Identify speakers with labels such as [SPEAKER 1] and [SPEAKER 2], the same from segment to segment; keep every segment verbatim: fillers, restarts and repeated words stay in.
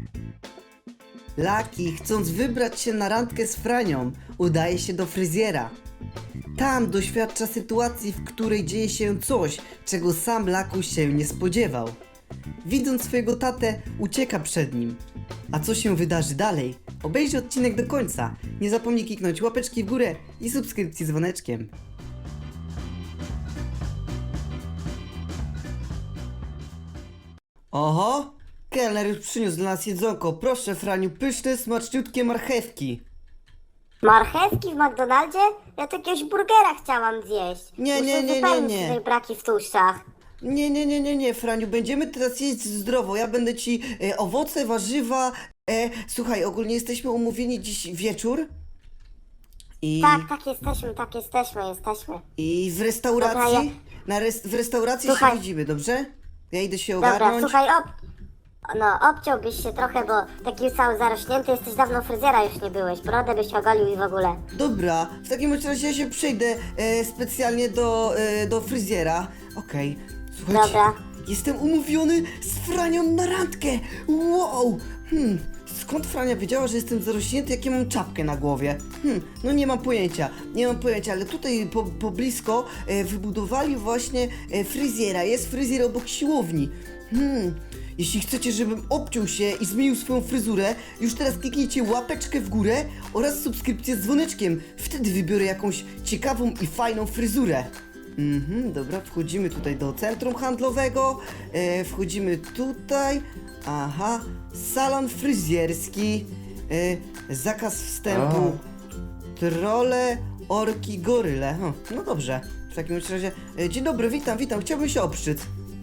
[SPEAKER 1] Laki, chcąc wybrać się na randkę z Franią, udaje się do fryzjera. Tam doświadcza sytuacji, w której dzieje się coś, czego sam Laku się nie spodziewał. Widząc swojego tatę, ucieka przed nim. A co się wydarzy dalej? Obejrzyj odcinek do końca. Nie zapomnij kliknąć łapeczki w górę i subskrypcji z dzwoneczkiem. Oho! Kelner już przyniósł dla nas jedzonko. Proszę, Franiu, pyszne, smaczniutkie marchewki.
[SPEAKER 2] Marchewki w McDonaldzie? Ja to jakiegoś burgera chciałam zjeść.
[SPEAKER 1] Nie,
[SPEAKER 2] Muszę
[SPEAKER 1] nie, nie, nie,
[SPEAKER 2] wypełnić
[SPEAKER 1] nie.
[SPEAKER 2] tutaj braki w tłuszczach.
[SPEAKER 1] Nie, nie, nie, nie, nie, Franiu, będziemy teraz jeść zdrowo. Ja będę ci e, owoce, warzywa. E, słuchaj, ogólnie jesteśmy umówieni dziś wieczór. I,
[SPEAKER 2] Tak, tak jesteśmy, tak jesteśmy, jesteśmy.
[SPEAKER 1] i w restauracji.
[SPEAKER 2] Dobra, ja-
[SPEAKER 1] Na res, w restauracji
[SPEAKER 2] Słuchaj.
[SPEAKER 1] się widzimy, dobrze? Ja idę się
[SPEAKER 2] Dobra,
[SPEAKER 1] ogarnąć.
[SPEAKER 2] słuchaj, ob... No, obciąłbyś się trochę, bo taki cały zarośnięty jesteś, dawno fryzjera już nie byłeś. Brodę byś ogolił i w ogóle.
[SPEAKER 1] Dobra, w takim razie ja się przejdę e, specjalnie do, e, do fryzjera. Okej, słuchajcie.
[SPEAKER 2] Dobra.
[SPEAKER 1] Jestem umówiony z Franią na randkę. Wow! Hmm, skąd Frania wiedziała, że jestem zarośnięty, jak ja mam czapkę na głowie? Hmm, no nie mam pojęcia, nie mam pojęcia, ale tutaj po, po blisko e, wybudowali właśnie e, fryzjera. Jest fryzjer obok siłowni. Hmm. Jeśli chcecie, żebym obciął się i zmienił swoją fryzurę, już teraz kliknijcie łapeczkę w górę oraz subskrypcję z dzwoneczkiem. Wtedy wybiorę jakąś ciekawą i fajną fryzurę. Mhm, dobra, wchodzimy tutaj do centrum handlowego. E, wchodzimy tutaj. Aha, salon fryzjerski. E, zakaz wstępu. Trole, orki, goryle. Hm, no dobrze, w takim razie. E, dzień dobry, witam, witam, chciałbym się obszczyć.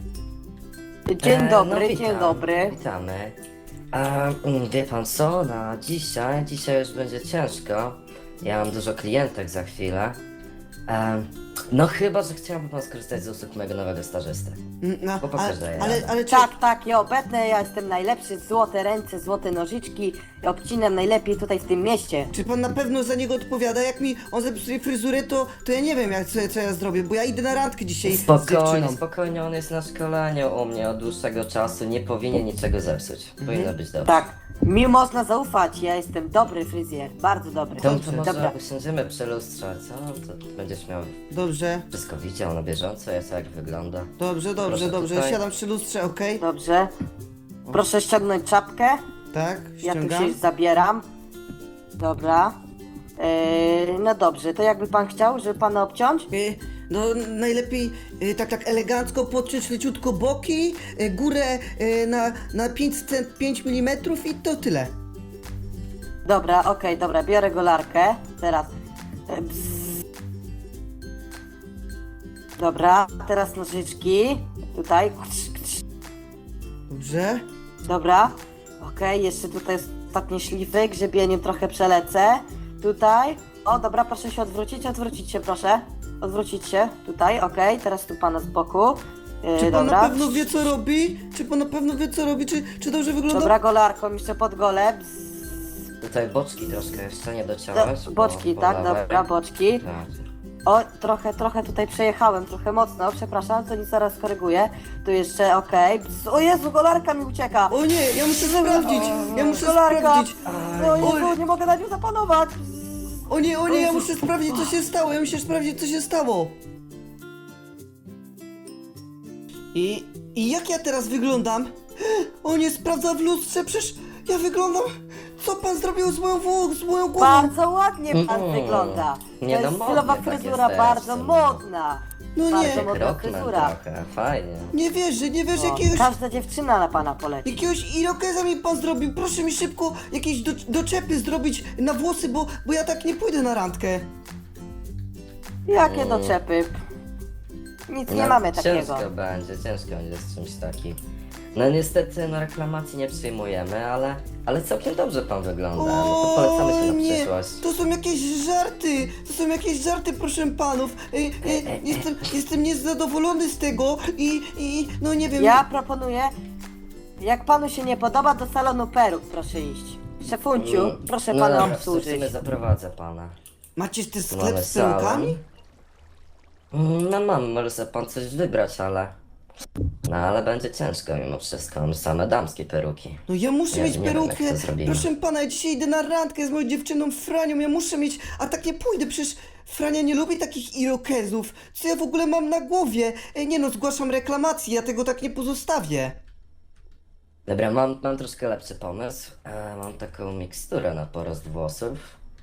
[SPEAKER 3] Dzień
[SPEAKER 4] E,
[SPEAKER 3] dobry,
[SPEAKER 4] no,
[SPEAKER 3] dzień
[SPEAKER 4] witam,
[SPEAKER 3] dobry.
[SPEAKER 4] Witamy. A, mm, wie pan co, na dzisiaj, dzisiaj już będzie ciężko. Ja mam dużo klientek za chwilę. E, no chyba, że chciałby pan skorzystać z usług mojego nowego stażysty.
[SPEAKER 1] Mm, No,
[SPEAKER 4] Bo pokażę
[SPEAKER 1] ale,
[SPEAKER 4] je
[SPEAKER 1] ale,
[SPEAKER 4] radę.
[SPEAKER 1] ale czy,
[SPEAKER 3] Tak, tak, ja obetnę, ja jestem najlepszy, złote ręce, złote nożyczki, ja obcinam najlepiej tutaj w tym mieście.
[SPEAKER 1] czy pan na pewno za niego odpowiada? Jak mi on zepsuje fryzurę, to, to ja nie wiem, jak, co, co ja zrobię, bo ja idę na randkę dzisiaj z
[SPEAKER 4] Spokojnie,
[SPEAKER 1] dziewczyną.
[SPEAKER 4] spokojnie, on jest na szkoleniu u mnie od dłuższego czasu, nie powinien niczego zepsuć. Powinno być dobrze.
[SPEAKER 3] Tak, mi można zaufać, ja jestem dobry fryzjer, bardzo dobry.
[SPEAKER 4] To, to może
[SPEAKER 3] Dobra,
[SPEAKER 4] usiądziemy przy lustrze, co? To będziesz miał
[SPEAKER 1] Dobrze,
[SPEAKER 4] wszystko widział na bieżąco, jak, jak wygląda.
[SPEAKER 1] dobrze, dobrze,
[SPEAKER 4] Proszę
[SPEAKER 1] dobrze.
[SPEAKER 4] tutaj.
[SPEAKER 1] Siadam przy lustrze, okej?
[SPEAKER 3] dobrze. Proszę ściągnąć czapkę,
[SPEAKER 1] Tak,
[SPEAKER 3] ja tu
[SPEAKER 1] ściągam.
[SPEAKER 3] się zabieram. Dobra. Eee, no dobrze, to jakby pan chciał, żeby pana obciąć?
[SPEAKER 1] Y, No najlepiej y, tak tak elegancko podciąć leciutko boki, y, górę y, na, na pięć milimetrów i to tyle.
[SPEAKER 3] Dobra, okej, dobra, biorę golarkę. Teraz. E, bzz. Dobra, teraz nożyczki. Tutaj. Kcz, kcz.
[SPEAKER 1] Dobrze?
[SPEAKER 3] Dobra. Okej, jeszcze tutaj jest ostatnie szlify, grzebieniem trochę przelecę. Tutaj. O, dobra, proszę się odwrócić, odwrócić się proszę. Odwrócić się, tutaj, okej, teraz tu pana z boku. E,
[SPEAKER 1] Czy pan
[SPEAKER 3] dobra.
[SPEAKER 1] na pewno wie co robi? Czy pan na pewno wie co robi? Czy, czy dobrze wygląda?
[SPEAKER 3] Dobra, golarką jeszcze pod gole. Bzz.
[SPEAKER 4] Tutaj boczki troszkę jeszcze nie dociąłeś.
[SPEAKER 3] Do,
[SPEAKER 4] bo-
[SPEAKER 3] boczki,
[SPEAKER 4] bo
[SPEAKER 3] tak,
[SPEAKER 4] lewej.
[SPEAKER 3] dobra, boczki.
[SPEAKER 4] Tak.
[SPEAKER 3] O, trochę, trochę tutaj przejechałem, trochę mocno, przepraszam, to nic zaraz koryguję. Tu jeszcze, okej. Bzz. O Jezu, golarka mi ucieka!
[SPEAKER 1] O nie, ja muszę sprawdzić! Ja muszę
[SPEAKER 3] Golarka!
[SPEAKER 1] sprawdzić!
[SPEAKER 3] O Jezu, nie mogę na nią zapanować! Bzz.
[SPEAKER 1] O nie, o nie, ja muszę sprawdzić co się stało, ja muszę sprawdzić co się stało. I, i jak ja teraz wyglądam? O nie, sprawdza w lustrze, przecież ja wyglądam... Co pan zrobił z moją, wło- z moją głową?
[SPEAKER 3] Bardzo ładnie pan
[SPEAKER 4] Mm.
[SPEAKER 3] wygląda.
[SPEAKER 4] Nie
[SPEAKER 3] To
[SPEAKER 4] no,
[SPEAKER 3] jest
[SPEAKER 4] modny
[SPEAKER 3] stylowa
[SPEAKER 4] tak
[SPEAKER 3] fryzura,
[SPEAKER 4] jesteś,
[SPEAKER 3] bardzo
[SPEAKER 4] no.
[SPEAKER 3] modna.
[SPEAKER 1] No nie.
[SPEAKER 3] Bardzo modna
[SPEAKER 4] Rockman
[SPEAKER 3] fryzura.
[SPEAKER 4] trochę, fajnie.
[SPEAKER 1] Nie wierzę, nie wierzę,
[SPEAKER 3] O,
[SPEAKER 1] jakiegoś...
[SPEAKER 3] każda dziewczyna na pana poleci.
[SPEAKER 1] Jakiegoś irokeza mi pan zrobił, proszę mi szybko jakieś do, doczepy zrobić na włosy, bo, bo ja tak nie pójdę na randkę.
[SPEAKER 3] Jakie doczepy? Nic nie
[SPEAKER 4] No,
[SPEAKER 3] mamy takiego.
[SPEAKER 4] Ciężko będzie, ciężko będzie z czymś takim. No niestety na reklamacji nie przyjmujemy, ale, ale całkiem dobrze pan wygląda. No to polecamy się na
[SPEAKER 1] nie,
[SPEAKER 4] przyszłość.
[SPEAKER 1] to są jakieś żarty, to są jakieś żarty, proszę panów. Ej, ej, jestem, jestem niezadowolony z tego i, i no nie wiem.
[SPEAKER 3] Ja proponuję, jak panu się nie podoba, do salonu peruk proszę iść. Szefunciu,
[SPEAKER 4] Mm,
[SPEAKER 3] proszę
[SPEAKER 4] no
[SPEAKER 3] pana
[SPEAKER 4] dobra,
[SPEAKER 3] obsłużyć.
[SPEAKER 4] w sumie zaprowadzę pana.
[SPEAKER 1] Macie ten
[SPEAKER 4] Tu
[SPEAKER 1] sklep
[SPEAKER 4] mamy
[SPEAKER 1] z perukami?
[SPEAKER 4] salon. Mm, No mam, może sobie pan coś wybrać, ale No ale będzie ciężko mimo wszystko, mam same damskie peruki.
[SPEAKER 1] No ja muszę
[SPEAKER 4] Nie-
[SPEAKER 1] mieć
[SPEAKER 4] nie wiem, jak
[SPEAKER 1] perukę.
[SPEAKER 4] to zrobimy.
[SPEAKER 1] Proszę pana, ja dzisiaj idę na randkę z moją dziewczyną Franią, ja muszę mieć, a tak nie pójdę, przecież Frania nie lubi takich irokezów. Co ja w ogóle mam na głowie? Ej, nie no, zgłaszam reklamację, ja tego tak nie pozostawię.
[SPEAKER 4] Dobra, mam, mam troszkę lepszy pomysł. E, mam taką miksturę na porost włosów.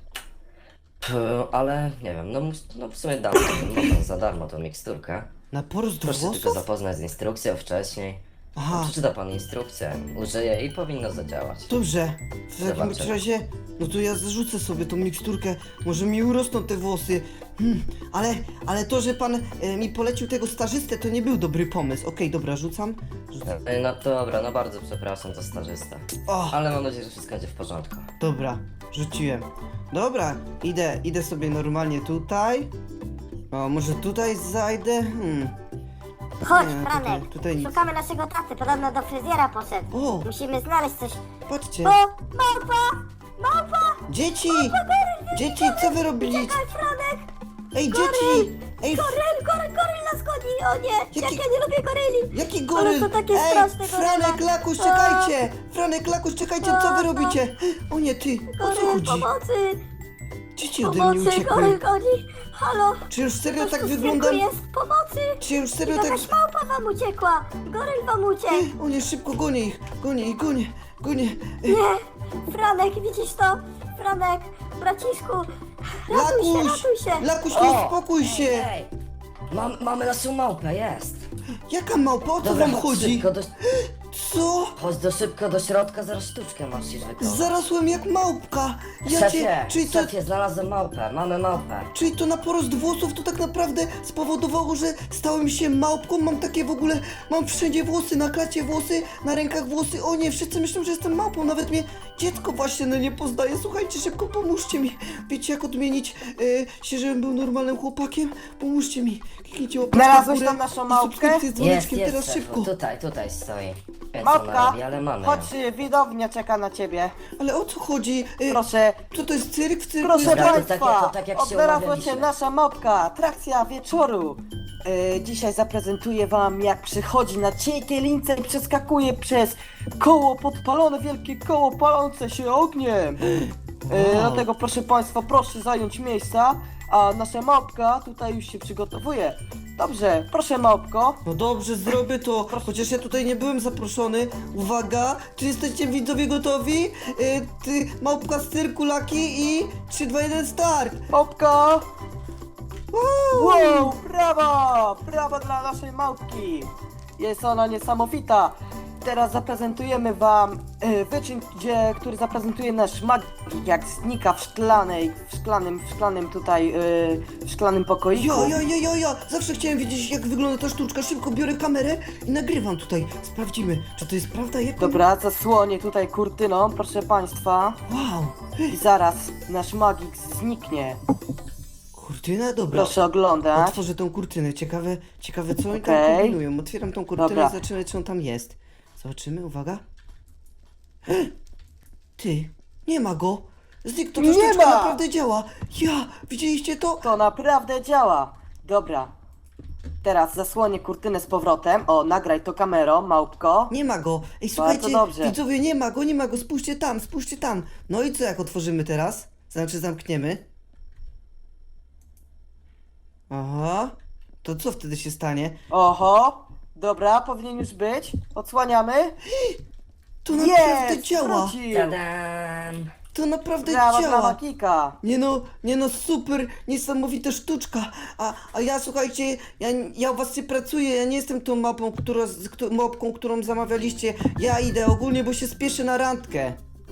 [SPEAKER 4] P- ale nie wiem, no, mus- no w sumie dam no, za darmo tą miksturkę.
[SPEAKER 1] Na porost
[SPEAKER 4] Proszę się tylko
[SPEAKER 1] włosów?
[SPEAKER 4] zapoznać z instrukcją wcześniej.
[SPEAKER 1] Aha.
[SPEAKER 4] Przeczyta pan instrukcję, użyje i powinno zadziałać.
[SPEAKER 1] Dobrze, w takim
[SPEAKER 4] Zobaczymy.
[SPEAKER 1] razie, no to ja zarzucę sobie tą miksturkę, może mi urosną te włosy. Hmm, ale, ale to, że pan e, mi polecił tego stażystę, to nie był dobry pomysł. Okej, dobra, rzucam. rzucam.
[SPEAKER 4] E, No dobra, no bardzo przepraszam za stażystę.
[SPEAKER 1] O,
[SPEAKER 4] Ale mam nadzieję, że wszystko będzie w porządku.
[SPEAKER 1] dobra, rzuciłem. Dobra, idę, idę sobie normalnie tutaj. O, może tutaj zajdę? Hmm.
[SPEAKER 2] Chodź,
[SPEAKER 1] Nie,
[SPEAKER 2] Franek,
[SPEAKER 1] tutaj- tutaj nic.
[SPEAKER 2] szukamy naszego taty, podobno do fryzjera poszedł.
[SPEAKER 1] O.
[SPEAKER 2] Musimy znaleźć coś.
[SPEAKER 1] Patrzcie,
[SPEAKER 2] O, małpa! Małpa!
[SPEAKER 1] dzieci! Dzieci, co wy robiliście?
[SPEAKER 2] Czekaj, Franek!
[SPEAKER 1] Ej, dzieci! Ej,
[SPEAKER 2] Goryl, goryl, goryl nas goni! O nie! Jak
[SPEAKER 1] Jaki-
[SPEAKER 2] ja nie lubię goryli!
[SPEAKER 1] jaki
[SPEAKER 2] Ale
[SPEAKER 1] goryl?
[SPEAKER 2] to takie
[SPEAKER 1] Ej,
[SPEAKER 2] straszne
[SPEAKER 1] Franek,
[SPEAKER 2] goryla.
[SPEAKER 1] Lakuś,
[SPEAKER 2] A.
[SPEAKER 1] czekajcie! Franek, Lakuś, czekajcie, co wy
[SPEAKER 2] A.
[SPEAKER 1] robicie? O nie, ty, o co
[SPEAKER 2] Goryl,
[SPEAKER 1] chodzi?
[SPEAKER 2] pomocy!
[SPEAKER 1] Dzieci ode mnie
[SPEAKER 2] Pomocy, goryl
[SPEAKER 1] uciekły.
[SPEAKER 2] goni! Halo!
[SPEAKER 1] Czy już serio
[SPEAKER 2] Ktoś
[SPEAKER 1] tak
[SPEAKER 2] tu w
[SPEAKER 1] wyglądam?
[SPEAKER 2] cyrku jest! Pomocy!
[SPEAKER 1] Czy już serio tak...
[SPEAKER 2] Jakaś małpa wam uciekła! Goryl wam uciekł!
[SPEAKER 1] O nie, szybko gonię ich, gonię ich, gonię, gonię. Ej,
[SPEAKER 2] Nie! Franek, widzisz to? Franek, braciszku! Ratuj się,
[SPEAKER 1] Lakuś,
[SPEAKER 2] ratuj się!
[SPEAKER 1] Lakuś, nie uspokój się!
[SPEAKER 4] Ej, mam, mamy naszą małpę, jest.
[SPEAKER 1] Jaka małpa, o co
[SPEAKER 4] Dobra,
[SPEAKER 1] wam
[SPEAKER 4] chodź
[SPEAKER 1] chodzi?
[SPEAKER 4] szybko do,
[SPEAKER 1] Co?
[SPEAKER 4] chodź do szybko do środka, zaraz sztuczkę musisz wykonać.
[SPEAKER 1] Zarosłem jak małpka. Ja
[SPEAKER 4] Szefie,
[SPEAKER 1] cię, czyli to,
[SPEAKER 4] szefie, znalazłem małpę, mamy małpę.
[SPEAKER 1] czyli to na porost włosów to tak naprawdę spowodowało, że stałem się małpką, mam takie w ogóle, mam wszędzie włosy, na klacie włosy, na rękach włosy, o nie, wszyscy myślą, że jestem małpą, nawet mnie dziecko właśnie no nie poznaje, słuchajcie, szybko pomóżcie mi, wiecie jak odmienić e, się, żebym był normalnym chłopakiem? Pomóżcie mi, kliknijcie łapkę w
[SPEAKER 3] Znalazłeś
[SPEAKER 1] górę
[SPEAKER 3] tą naszą
[SPEAKER 1] i
[SPEAKER 3] małpkę?
[SPEAKER 1] subskrypcję z
[SPEAKER 4] Jest,
[SPEAKER 1] dzwoneczkiem,
[SPEAKER 4] jest,
[SPEAKER 1] teraz
[SPEAKER 4] szefu,
[SPEAKER 1] szybko.
[SPEAKER 4] tutaj, tutaj stoi. Wiem, co
[SPEAKER 3] Małpka,
[SPEAKER 4] ona robi, ale mamy ją.
[SPEAKER 3] chodź, y, widownia czeka na ciebie.
[SPEAKER 1] Ale o co chodzi? E,
[SPEAKER 3] Proszę,
[SPEAKER 1] Co to jest cyrk? W cyrku
[SPEAKER 3] proszę
[SPEAKER 1] jest...
[SPEAKER 4] Dobra, to
[SPEAKER 3] państwa,
[SPEAKER 4] tak jak- to tak jak się
[SPEAKER 3] odnalazła
[SPEAKER 4] umawialiśmy.
[SPEAKER 3] się nasza małpka, atrakcja wieczoru. E, dzisiaj zaprezentuję wam, jak przychodzi na cienkiej lince i przeskakuje przez koło podpalone, wielkie koło palące się ogniem. E,
[SPEAKER 1] Wow.
[SPEAKER 3] Dlatego proszę państwa, proszę zająć miejsca, a nasza małpka tutaj już się przygotowuje. Dobrze, proszę małpko.
[SPEAKER 1] No dobrze, zrobię to, chociaż ja tutaj nie byłem zaproszony. Uwaga, czy jesteście widzowie gotowi? Yy, ty, małpka z cyrku Laki i trzy, dwa, jeden, start!
[SPEAKER 3] Małpka!
[SPEAKER 1] Wow!
[SPEAKER 3] Wow, brawa! Brawa dla naszej małpki! Jest ona niesamowita! Teraz zaprezentujemy wam e, wyczyn, gdzie, który zaprezentuje nasz magik, jak znika w szklanej, w szklanym, w szklanym tutaj, e, w szklanym pokoiku.
[SPEAKER 1] Ja, ja, ja, ja, ja! Zawsze chciałem wiedzieć, jak wygląda ta sztuczka. Szybko biorę kamerę i nagrywam tutaj. Sprawdzimy, czy to jest prawda, jak...
[SPEAKER 3] Dobra, zasłonię tutaj kurtyną, proszę państwa.
[SPEAKER 1] Wow!
[SPEAKER 3] I zaraz nasz magik zniknie.
[SPEAKER 1] Kurtyna? Dobra.
[SPEAKER 3] Proszę oglądać.
[SPEAKER 1] Otworzę tą kurtynę. Ciekawe, ciekawe co oni tam
[SPEAKER 3] Okej.
[SPEAKER 1] kombinują. Otwieram tą kurtynę
[SPEAKER 3] Dobra.
[SPEAKER 1] i zobaczymy, czy on tam jest. Zobaczymy, uwaga. Ty, nie ma go. Znikł, to ta
[SPEAKER 3] Nie
[SPEAKER 1] sztuczka
[SPEAKER 3] ma!
[SPEAKER 1] naprawdę działa. Ja, widzieliście to?
[SPEAKER 3] To naprawdę działa. Dobra. Teraz zasłonię kurtynę z powrotem. O, nagraj to kamerą, małpko.
[SPEAKER 1] Nie ma go. Ej, słuchajcie,
[SPEAKER 3] dobrze.
[SPEAKER 1] widzowie, nie ma go, nie ma go. Spójrzcie tam, spójrzcie tam. No i co, jak otworzymy teraz? Znaczy zamkniemy. Aha. To co wtedy się stanie?
[SPEAKER 3] Oho. Dobra, powinien już być. Odsłaniamy.
[SPEAKER 1] To naprawdę
[SPEAKER 3] Jest!
[SPEAKER 1] działa.
[SPEAKER 3] Wrócił.
[SPEAKER 4] Tadam!
[SPEAKER 1] To naprawdę
[SPEAKER 3] Brawa dla
[SPEAKER 1] działa.
[SPEAKER 3] magika.
[SPEAKER 1] Nie no, nie no, super, niesamowita sztuczka. A, a ja słuchajcie, ja, ja u was nie pracuję, ja nie jestem tą mapą, która, z, któ- mopką, którą zamawialiście. Ja idę ogólnie, bo się spieszę na randkę.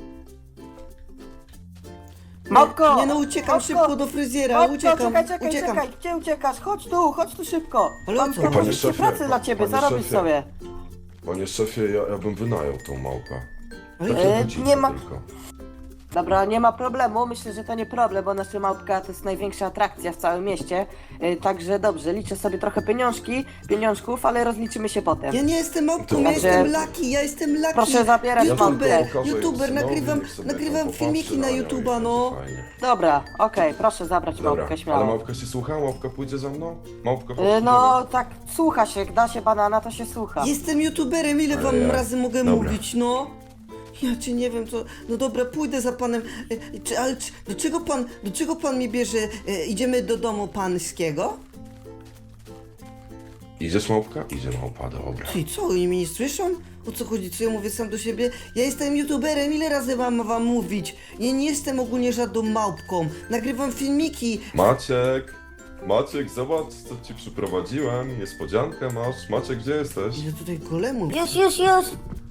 [SPEAKER 3] Małpko!
[SPEAKER 1] Nie, nie no, uciekam
[SPEAKER 3] Małpko!
[SPEAKER 1] szybko do fryzjera,
[SPEAKER 3] Małpko,
[SPEAKER 1] uciekam,
[SPEAKER 3] czekaj, czekaj,
[SPEAKER 1] uciekam.
[SPEAKER 3] czekaj. Gdzie uciekasz? Chodź tu, chodź tu szybko.
[SPEAKER 1] Ale o
[SPEAKER 3] Mam
[SPEAKER 1] co?
[SPEAKER 3] taką
[SPEAKER 5] Panie
[SPEAKER 3] jeszcze
[SPEAKER 5] szefie,
[SPEAKER 3] pracę dla ciebie,
[SPEAKER 5] panie
[SPEAKER 3] zarobisz
[SPEAKER 5] szefie.
[SPEAKER 3] sobie.
[SPEAKER 5] Panie szefie, ja, ja bym wynajął tą małpę.
[SPEAKER 1] Ale
[SPEAKER 5] Takie
[SPEAKER 3] E,
[SPEAKER 5] godzice
[SPEAKER 3] nie ma-
[SPEAKER 5] tylko.
[SPEAKER 3] Dobra, nie ma problemu, myślę, że to nie problem, bo nasza małpka to jest największa atrakcja w całym mieście. Yy, także dobrze, liczę sobie trochę pieniążki, pieniążków, ale rozliczymy się potem.
[SPEAKER 1] Ja nie jestem małpką,
[SPEAKER 5] To
[SPEAKER 1] ja
[SPEAKER 3] Dobrze.
[SPEAKER 1] jestem Lucky, ja jestem Lucky.
[SPEAKER 3] Proszę zabierać
[SPEAKER 1] YouTuber,
[SPEAKER 5] małpkę. Pokażę
[SPEAKER 1] YouTuber,
[SPEAKER 5] synowi,
[SPEAKER 1] nagrywam,
[SPEAKER 5] niech sobie
[SPEAKER 1] nagrywam
[SPEAKER 5] tam
[SPEAKER 1] filmiki
[SPEAKER 5] popatrzy
[SPEAKER 1] na
[SPEAKER 5] nią i
[SPEAKER 1] YouTube'a, no.
[SPEAKER 5] będzie fajnie.
[SPEAKER 3] Dobra, okej, proszę zabrać
[SPEAKER 5] Dobra,
[SPEAKER 3] małpkę
[SPEAKER 5] ale
[SPEAKER 3] śmiało.
[SPEAKER 5] małpka się słucha? Małpka pójdzie za mną? Małpka chodź,
[SPEAKER 3] Yy, no
[SPEAKER 5] idziemy.
[SPEAKER 3] tak, słucha się, jak da się banana, to się słucha.
[SPEAKER 1] Jestem YouTuberem, ile wam
[SPEAKER 5] Ale ja-
[SPEAKER 1] razy mogę
[SPEAKER 5] Dobra.
[SPEAKER 1] mówić, no? Ja cię nie wiem, co. No dobra, pójdę za panem. E, czy, ale czy, do czego pan, do czego pan mnie bierze? E, idziemy do domu pańskiego?
[SPEAKER 5] Idziesz małpka? Idzie małpa, dobra.
[SPEAKER 1] Ty co, oni mnie nie słyszą? O co chodzi, co ja mówię sam do siebie? Ja jestem YouTuberem, ile razy mam wam mówić? Ja nie jestem ogólnie żadną małpką. Nagrywam filmiki.
[SPEAKER 5] Maciek! Maciek, zobacz co ci przyprowadziłem. Niespodziankę masz. Maciek, gdzie jesteś?
[SPEAKER 1] Ile tutaj golemów?
[SPEAKER 2] Już, już, już.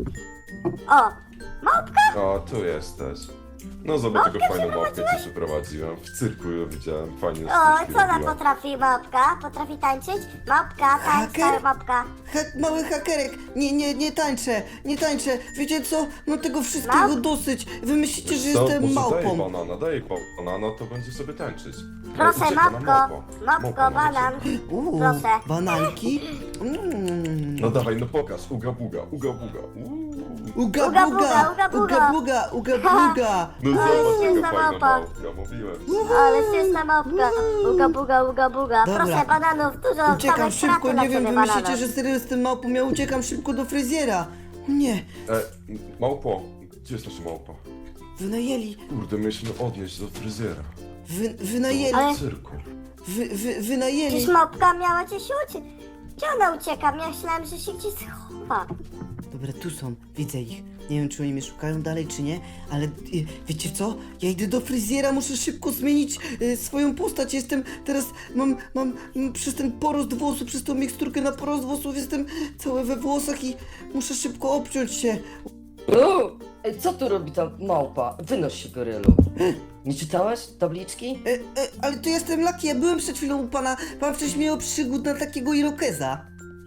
[SPEAKER 2] O,
[SPEAKER 5] A, tu jesteś. No zobacz, jaką fajną małpkę ci przyprowadziłem. W cyrku ją widziałem, fajnie
[SPEAKER 2] o,
[SPEAKER 5] sztuczki
[SPEAKER 2] co ona
[SPEAKER 5] robiła.
[SPEAKER 2] potrafi, małpka? Potrafi tańczyć? Małpka, tańcz,
[SPEAKER 1] Haker?
[SPEAKER 2] małpka.
[SPEAKER 1] Ha mały hakerek, nie, nie, nie tańczę, nie tańczę. Wiecie co? Mam tego wszystkiego
[SPEAKER 2] Małp?
[SPEAKER 1] dosyć. Wy myślicie, że
[SPEAKER 5] Co?
[SPEAKER 1] jestem
[SPEAKER 5] Może daj
[SPEAKER 1] małpą.
[SPEAKER 5] banana, daj pa- banana, to będzie sobie tańczyć.
[SPEAKER 2] Proszę,
[SPEAKER 5] Ucieka nam
[SPEAKER 2] małpko,
[SPEAKER 5] małpa.
[SPEAKER 2] małpko,
[SPEAKER 5] Małpa nam
[SPEAKER 2] banan.
[SPEAKER 5] ucieka.
[SPEAKER 1] Uuu,
[SPEAKER 2] Proszę.
[SPEAKER 1] bananki. Mm.
[SPEAKER 5] No dawaj, no pokaż. Uga buga, uga buga. Uuu.
[SPEAKER 1] Uga
[SPEAKER 2] Uga
[SPEAKER 1] buga,
[SPEAKER 2] buga, uga
[SPEAKER 1] uga
[SPEAKER 2] buga.
[SPEAKER 1] buga, uga buga.
[SPEAKER 5] No
[SPEAKER 2] Ale
[SPEAKER 5] zobacz,
[SPEAKER 2] śmieszna
[SPEAKER 5] jaka fajna
[SPEAKER 2] małpa.
[SPEAKER 5] małpka, mówiłem.
[SPEAKER 2] Ale śmieszna małpka. Uga, buga, uga, buga.
[SPEAKER 1] Dobra.
[SPEAKER 2] Proszę, bananów, dużo
[SPEAKER 1] Uciekam
[SPEAKER 2] samej
[SPEAKER 1] szybko,
[SPEAKER 2] straty dla
[SPEAKER 1] nie wiem,
[SPEAKER 2] ciebie,
[SPEAKER 1] wy myślicie,
[SPEAKER 2] banana.
[SPEAKER 1] że serio jestem małpą, ja uciekam szybko do fryzjera. Nie,
[SPEAKER 5] E, małpo, gdzie jest nasza małpa?
[SPEAKER 1] wynajęli,
[SPEAKER 5] Kurde, mieliśmy odnieść do fryzjera.
[SPEAKER 1] wy, wynajęli,
[SPEAKER 2] Ale-
[SPEAKER 5] W cyrku.
[SPEAKER 1] wy, wy, wynajęli.
[SPEAKER 2] Przecież małpka miała cię się uciec. Gdzie ona ucieka? Myślałem, że się gdzieś schowa.
[SPEAKER 1] Dobra, tu są, widzę ich. Nie wiem, czy oni mnie szukają dalej, czy nie, ale y, wiecie co? Ja idę do fryzjera, muszę szybko zmienić y, swoją postać. Jestem teraz, mam, mam mm, przez ten porost włosów, przez tą miksturkę na porost włosów, jestem cały we włosach i muszę szybko obciąć się.
[SPEAKER 4] Uuu, ej, co tu robi ta małpa? Wynoś się, gorylu. Nie czytałeś tabliczki?
[SPEAKER 1] E, e, ale to jestem Lucky, ja byłem przed chwilą u pana, pan wcześniej miał przygód na takiego irokeza.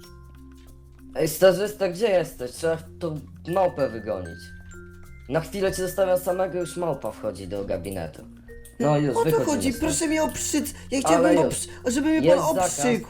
[SPEAKER 4] Ej, starzysta, gdzie jesteś? Trzeba tą małpę wygonić. Na chwilę cię zostawiam samego, już małpa wchodzi do gabinetu. No już,
[SPEAKER 1] O co
[SPEAKER 4] wychodzimy
[SPEAKER 1] chodzi?
[SPEAKER 4] stąd.
[SPEAKER 1] Proszę mnie oprzyc. Ja
[SPEAKER 4] Ale
[SPEAKER 1] chciałbym,
[SPEAKER 4] już.
[SPEAKER 1] obrzy- żeby mnie
[SPEAKER 4] Jest
[SPEAKER 1] pan
[SPEAKER 4] zakaz.
[SPEAKER 1] obrzykł.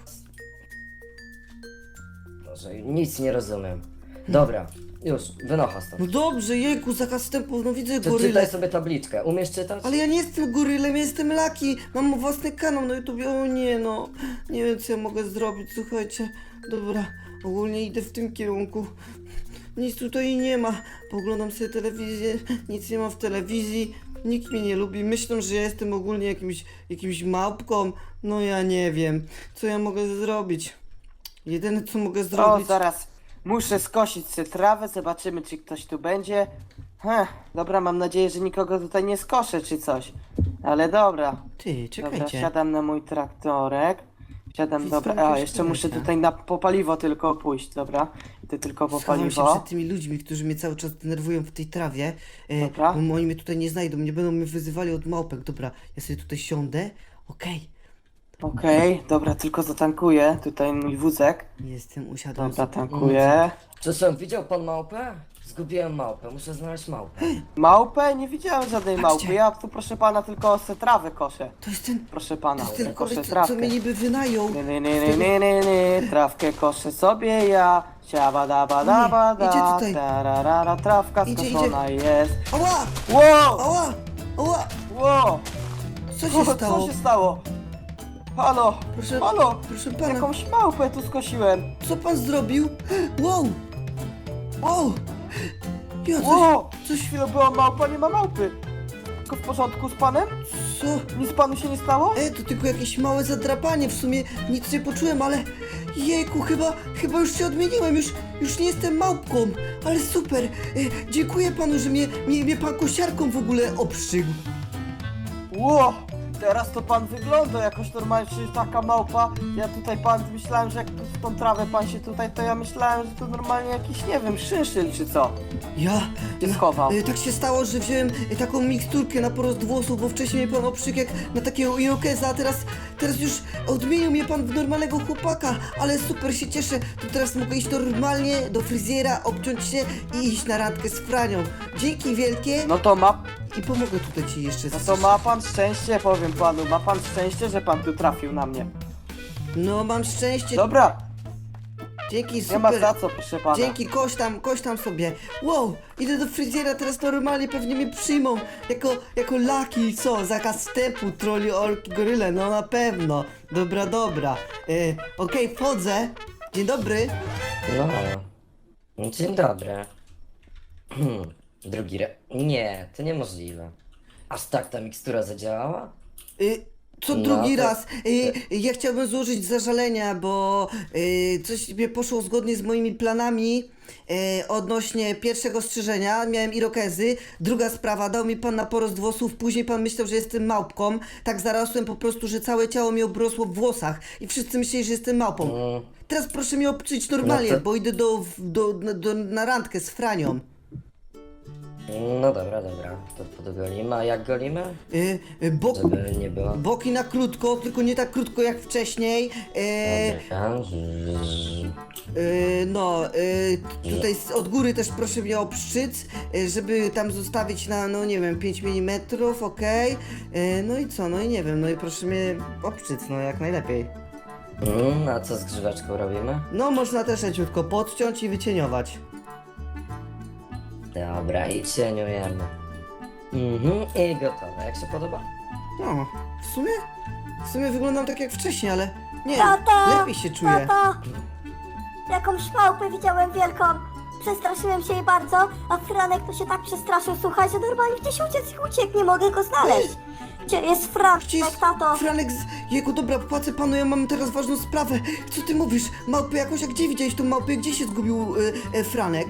[SPEAKER 4] Boże, nic nie rozumiem. Dobra, już, wynocha stąd.
[SPEAKER 1] No dobrze, jejku, zakaz wstępu, no widzę
[SPEAKER 4] To
[SPEAKER 1] gorylę.
[SPEAKER 4] czytaj sobie tabliczkę. Umiesz czytać?
[SPEAKER 1] Ale ja nie jestem gorylem, ja jestem Lucky. Mam własny kanał na YouTubie. O nie, no. Nie wiem, co ja mogę zrobić, słuchajcie. Dobra, ogólnie idę w tym kierunku. Nic tutaj nie ma. Poglądam sobie telewizję, nic nie ma w telewizji. Nikt mnie nie lubi. Myślą, że ja jestem ogólnie jakimś, jakimś małpką. No ja nie wiem, co ja mogę zrobić. Jedyne, co mogę
[SPEAKER 3] O,
[SPEAKER 1] zrobić...
[SPEAKER 3] zaraz muszę skosić sobie trawę, zobaczymy czy ktoś tu będzie. Heh, dobra, mam nadzieję, że nikogo tutaj nie skoszę czy coś. Ale dobra.
[SPEAKER 1] Ty,
[SPEAKER 3] Dobra,
[SPEAKER 1] czekajcie.
[SPEAKER 3] siadam na mój traktorek. Siadam,
[SPEAKER 1] Jest
[SPEAKER 3] dobra,
[SPEAKER 1] tam
[SPEAKER 3] a
[SPEAKER 1] jakaś
[SPEAKER 3] jeszcze muszę
[SPEAKER 1] kamerka.
[SPEAKER 3] tutaj na po paliwo tylko pójść, dobra. Idę tylko po
[SPEAKER 1] Schowam się
[SPEAKER 3] paliwo.
[SPEAKER 1] przed tymi ludźmi, którzy mnie cały czas denerwują w tej trawie. E,
[SPEAKER 3] Dobra.
[SPEAKER 1] bo oni mnie tutaj nie znajdą, nie będą mnie wyzywali od małpek. Dobra, ja sobie tutaj siądę. Okej,
[SPEAKER 3] Okej, dobra, tylko zatankuję tutaj mój wózek.
[SPEAKER 1] jestem, usiadłem.
[SPEAKER 3] Dobra,
[SPEAKER 1] sobie.
[SPEAKER 3] tankuję.
[SPEAKER 4] Przepraszam, widział pan małpę? Zgubiłem małpę, muszę znaleźć małpę.
[SPEAKER 3] Małpę? Nie widziałem żadnej
[SPEAKER 1] Patrzcie.
[SPEAKER 3] małpy. Ja tu proszę pana tylko se trawę koszę.
[SPEAKER 1] To jest ten,
[SPEAKER 3] Proszę pana,
[SPEAKER 1] to jest ten
[SPEAKER 3] koszę
[SPEAKER 1] koleś, co,
[SPEAKER 3] trawkę.
[SPEAKER 1] co mnie niby wynają.
[SPEAKER 3] Nie, nie, nie, nie, nie, nie, nie, trawkę koszę sobie ja. Siaba da ba da ba
[SPEAKER 1] Nie, idzie
[SPEAKER 3] da.
[SPEAKER 1] tutaj.
[SPEAKER 3] Tararara, trawka
[SPEAKER 1] Idzie,
[SPEAKER 3] skoszona jest.
[SPEAKER 1] Ała,
[SPEAKER 3] Wow!
[SPEAKER 1] ała, ała,
[SPEAKER 3] Wow!
[SPEAKER 1] co się
[SPEAKER 3] Co
[SPEAKER 1] stało?
[SPEAKER 3] się stało? Halo!
[SPEAKER 1] Proszę,
[SPEAKER 3] Halo!
[SPEAKER 1] proszę pana,
[SPEAKER 3] Jakąś małpę tu skosiłem.
[SPEAKER 1] co pan zrobił? Wow, wow, ja coś,
[SPEAKER 3] Wow!
[SPEAKER 1] coś,
[SPEAKER 3] Chwilę była małpa, nie ma małpy. Wszystko w porządku z panem?
[SPEAKER 1] co?
[SPEAKER 3] Nic panu się nie stało?
[SPEAKER 1] E, to tylko jakieś małe zadrapanie, w sumie nic nie poczułem, ale jejku, chyba, chyba już się odmieniłem, już, już nie jestem małpką, ale super, e, dziękuję panu, że mnie, mnie, mnie pan kosiarką w ogóle obszygł.
[SPEAKER 3] Ło! Teraz to pan wygląda jakoś normalnie, przecież taka małpa. Ja tutaj pan, myślałem, że jak w tą trawę pan się tutaj, to ja myślałem, że to normalnie jakiś, nie wiem, szyszyl czy co.
[SPEAKER 1] Ja,
[SPEAKER 3] Się schował.
[SPEAKER 1] e, tak się stało, że wziąłem e, taką miksturkę na porost włosów, bo wcześniej mnie pan obszygł jak na takiego irokeza, a teraz, teraz już odmienił mnie pan w normalnego chłopaka, ale super się cieszę, to teraz mogę iść normalnie do fryzjera, obciąć się i iść na randkę z Franią. Dzięki wielkie.
[SPEAKER 3] No to ma...
[SPEAKER 1] i pomogę tutaj ci jeszcze.
[SPEAKER 3] No to ma pan szczęście, powiem panu, ma pan szczęście, że pan tu trafił na mnie.
[SPEAKER 1] No mam szczęście.
[SPEAKER 3] Dobra,
[SPEAKER 1] Dzięki,
[SPEAKER 3] nie ma
[SPEAKER 1] super.
[SPEAKER 3] za co, proszę pana.
[SPEAKER 1] Dzięki, koś tam, koś tam sobie. Wow, idę do fryzjera, teraz normalnie pewnie mnie przyjmą jako, jako laki, co, zakaz wstępu, troli, orki, goryle, no na pewno. Dobra, dobra. E, Okej, wchodzę. Dzień dobry.
[SPEAKER 4] No, dzień dobry. Hmm, drugi re... Nie, to niemożliwe. Aż tak ta mikstura zadziałała?
[SPEAKER 1] Y, co
[SPEAKER 4] No
[SPEAKER 1] drugi
[SPEAKER 4] to-
[SPEAKER 1] raz? Y, ja chciałbym złożyć zażalenia, bo y, coś nie poszło zgodnie z moimi planami y, odnośnie pierwszego strzyżenia. Miałem irokezy. Druga sprawa, dał mi pan na porost włosów. Później pan myślał, że jestem małpką. Tak zarosłem po prostu, że całe ciało mi obrosło w włosach. I wszyscy myśleli, że jestem małpą.
[SPEAKER 4] Mm,
[SPEAKER 1] Teraz proszę mnie obczyć normalnie,
[SPEAKER 4] No to-
[SPEAKER 1] bo idę do, do, do, do, na randkę z Franią.
[SPEAKER 4] no dobra, dobra, to podgolimy. A jak golimy?
[SPEAKER 1] Y, y, bok,
[SPEAKER 4] Żeby nie było...
[SPEAKER 1] boki na krótko, tylko nie tak krótko jak wcześniej. Y,
[SPEAKER 4] Dobra, zzz.
[SPEAKER 1] Yy, no, yy, tutaj z, od góry też proszę mnie o pszczyc, yy, żeby tam zostawić na, no nie wiem, pięć milimetrów, okej. Yy, no i co, no i nie wiem, no i proszę mnie o pszczyc, no jak najlepiej.
[SPEAKER 4] Mm, a co z grzyweczką robimy?
[SPEAKER 1] No, można też leciutko podciąć i wycieniować.
[SPEAKER 4] Dobra, i cieniujemy. Mhm, i gotowe. Jak się podoba?
[SPEAKER 1] No, w sumie, w sumie wyglądam tak jak wcześniej, ale nie,
[SPEAKER 2] Tato!
[SPEAKER 1] lepiej się czuję.
[SPEAKER 2] Tato! Jakąś małpę widziałem wielką. Przestraszyłem się jej bardzo, a Franek to się tak przestraszył, słuchaj, że normalnie gdzieś uciec i uciekł, nie mogę go znaleźć. Gdzie jest Franek,
[SPEAKER 1] Gdzie jest
[SPEAKER 2] tato?
[SPEAKER 1] Franek z jego, dobra, płacę panu, ja mam teraz ważną sprawę. Co ty mówisz? Małpy jakoś, a gdzie widziałeś tą małpę? Gdzie się zgubił yy, yy, Franek?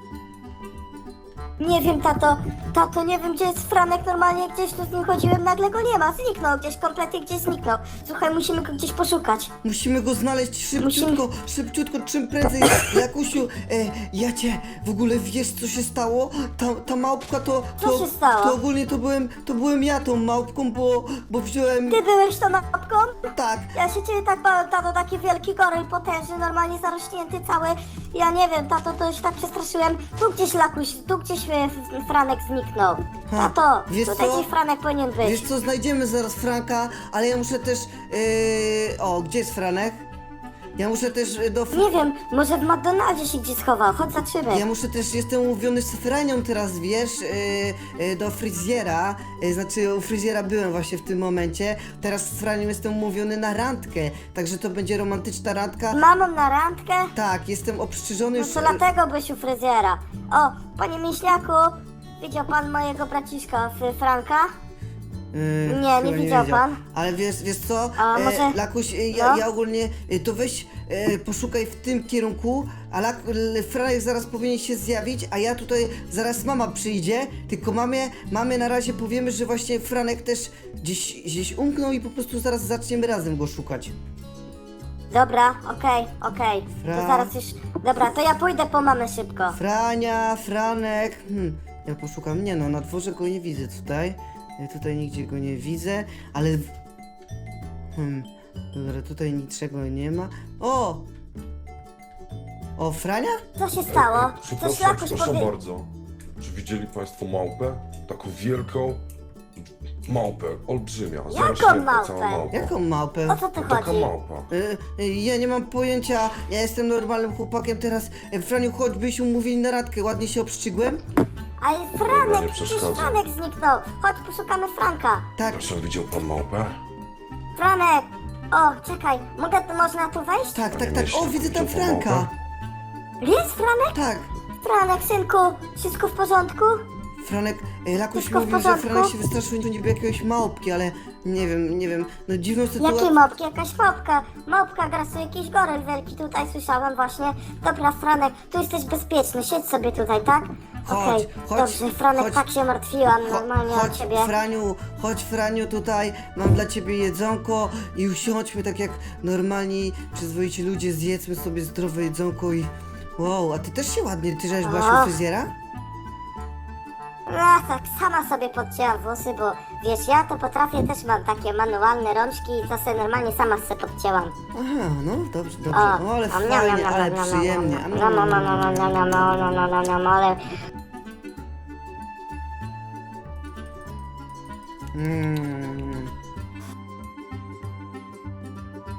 [SPEAKER 2] Nie wiem, tato, tato, nie wiem, gdzie jest Franek, normalnie gdzieś tu z nim chodziłem, nagle go nie ma, zniknął gdzieś, kompletnie gdzieś zniknął. Słuchaj, musimy go gdzieś poszukać.
[SPEAKER 1] Musimy go znaleźć szybciutko, szybciutko, czym prędzej. Jakusiu, e, ja cię w ogóle wiesz, co się stało? Ta, ta małpka to,
[SPEAKER 2] Co
[SPEAKER 1] to,
[SPEAKER 2] się stało?
[SPEAKER 1] to ogólnie to byłem, to byłem ja tą małpką, bo, bo wziąłem,
[SPEAKER 2] Ty byłeś tą małpką?
[SPEAKER 1] tak,
[SPEAKER 2] Ja się ciebie tak bałem, tato, taki wielki goryl potężny, normalnie zarośnięty cały. Ja nie wiem, tato, to się tak przestraszyłem. Tu gdzieś Lakuś, tu gdzieś e, F- Franek zniknął.
[SPEAKER 1] Ha,
[SPEAKER 2] Tato,
[SPEAKER 1] wiesz
[SPEAKER 2] tutaj
[SPEAKER 1] co?
[SPEAKER 2] gdzieś Franek powinien być.
[SPEAKER 1] wiesz co, znajdziemy zaraz Franka, ale ja muszę też, e, o, gdzie jest Franek? Ja muszę też e, do...
[SPEAKER 2] Nie wiem, może w McDonaldzie się gdzieś schował, chodź zatrzymy.
[SPEAKER 1] Ja muszę też, jestem umówiony z Franią teraz, wiesz, yy, yy, do fryzjera, yy, znaczy u fryzjera byłem właśnie w tym momencie, teraz z Franią jestem umówiony na randkę, także to będzie romantyczna randka.
[SPEAKER 2] Z mamą na randkę?
[SPEAKER 1] Tak, jestem obstrzyżony
[SPEAKER 2] No
[SPEAKER 1] już...
[SPEAKER 2] to dlatego byś u fryzjera. O, panie Miśniaku, widział pan mojego braciszka F- Franka?
[SPEAKER 1] Yy,
[SPEAKER 2] Nie,
[SPEAKER 1] chyba
[SPEAKER 2] nie widział pan.
[SPEAKER 1] Ale wiesz, wiesz co,
[SPEAKER 2] A
[SPEAKER 1] e,
[SPEAKER 2] może-
[SPEAKER 1] Lakuś, e, ja,
[SPEAKER 2] no?
[SPEAKER 1] ja ogólnie, e, to weź, e, poszukaj w tym kierunku, a Lak, L- Franek zaraz powinien się zjawić, a ja tutaj, zaraz mama przyjdzie, tylko mamie, mamie na razie powiemy, że właśnie Franek też gdzieś, gdzieś umknął i po prostu zaraz zaczniemy razem go szukać.
[SPEAKER 2] Dobra, okej, okej.
[SPEAKER 1] Fra-
[SPEAKER 2] To zaraz już... Dobra, to ja pójdę po mamę szybko.
[SPEAKER 1] Frania, Franek, hmm, ja poszukam, nie no, na dworze go nie widzę tutaj, ja tutaj nigdzie go nie widzę, ale... w- Hmm, dobra, tutaj niczego nie ma. O! O, Frania?
[SPEAKER 2] Co się stało? Coś
[SPEAKER 5] Przepraszam,
[SPEAKER 2] Lakuś
[SPEAKER 5] przepraszam
[SPEAKER 2] powie...
[SPEAKER 5] bardzo. Czy widzieli Państwo małpę? Taką wielką małpę, olbrzymia. zarośnięta
[SPEAKER 2] małpę?
[SPEAKER 5] cała małpa.
[SPEAKER 1] Jaką małpę?
[SPEAKER 2] O co tu
[SPEAKER 5] Taka
[SPEAKER 2] chodzi?
[SPEAKER 5] małpa.
[SPEAKER 1] Y, y, ja nie mam pojęcia, ja jestem normalnym chłopakiem teraz. Y, Franiu, chodź, byśmy umówili na radkę, ładnie się obszczygłem?
[SPEAKER 2] Ale
[SPEAKER 5] Dobra, nie
[SPEAKER 2] Franek, przecież
[SPEAKER 5] przeszkadzaj.
[SPEAKER 2] Franek zniknął. Chodź, poszukamy Franka.
[SPEAKER 1] Tak,
[SPEAKER 5] Proszę, widział Pan małpę?
[SPEAKER 2] Franek! O, czekaj, mogę, można tu wejść?
[SPEAKER 1] tak, tak,
[SPEAKER 5] Panie
[SPEAKER 1] tak.
[SPEAKER 5] Mieszko,
[SPEAKER 1] O, widzę tam
[SPEAKER 5] widział pan
[SPEAKER 1] Franka.
[SPEAKER 5] małpę?
[SPEAKER 2] Jest Franek?
[SPEAKER 1] Tak.
[SPEAKER 2] Franek, synku, wszystko w porządku?
[SPEAKER 1] Franek, y, Lakuś
[SPEAKER 2] Wszystko w
[SPEAKER 1] mówił, że
[SPEAKER 2] porządku?
[SPEAKER 1] Franek się wystraszył niby jakiegoś małpki, ale nie wiem, nie wiem. No dziwną
[SPEAKER 2] Jakiej
[SPEAKER 1] sytuację.
[SPEAKER 2] małpki? Jakaś małpka. Małpka grasuje, jakiś goryl wielki tutaj słyszałam właśnie. Dobra, Franek, tu jesteś bezpieczny, siedź sobie tutaj, tak?
[SPEAKER 1] Chodź,
[SPEAKER 2] Okej,
[SPEAKER 1] chodź,
[SPEAKER 2] dobrze, Franek,
[SPEAKER 1] chodź.
[SPEAKER 2] tak się martwiłam
[SPEAKER 1] Cho-
[SPEAKER 2] normalnie o
[SPEAKER 1] chodź,
[SPEAKER 2] ciebie.
[SPEAKER 1] Franiu, chodź, Franiu, tutaj mam dla ciebie jedzonko i usiądźmy tak jak normalni, przyzwoici ludzie, zjedzmy sobie zdrowe jedzonko i... Wow, a ty też się ładnie, ty żeś byłaś
[SPEAKER 2] O.
[SPEAKER 1] u fryzjera?
[SPEAKER 2] No tak, sama sobie podcięłam włosy, bo wiesz, ja to potrafię, też mam takie manualne rączki i to sobie normalnie sama sobie podcięłam.
[SPEAKER 1] Aha, no dobrze, dobrze.
[SPEAKER 2] O,
[SPEAKER 1] No ale
[SPEAKER 2] am, niam,
[SPEAKER 1] fajnie,
[SPEAKER 2] niam,
[SPEAKER 1] ale
[SPEAKER 2] niam, niam,
[SPEAKER 1] przyjemnie.
[SPEAKER 2] niam,
[SPEAKER 1] Am,
[SPEAKER 2] niam,
[SPEAKER 1] niam,
[SPEAKER 2] niam,
[SPEAKER 1] niam,
[SPEAKER 2] niam,
[SPEAKER 1] niam.
[SPEAKER 2] niam, niam, niam, niam, niam, niam, niam, niam, ale...
[SPEAKER 1] Mm,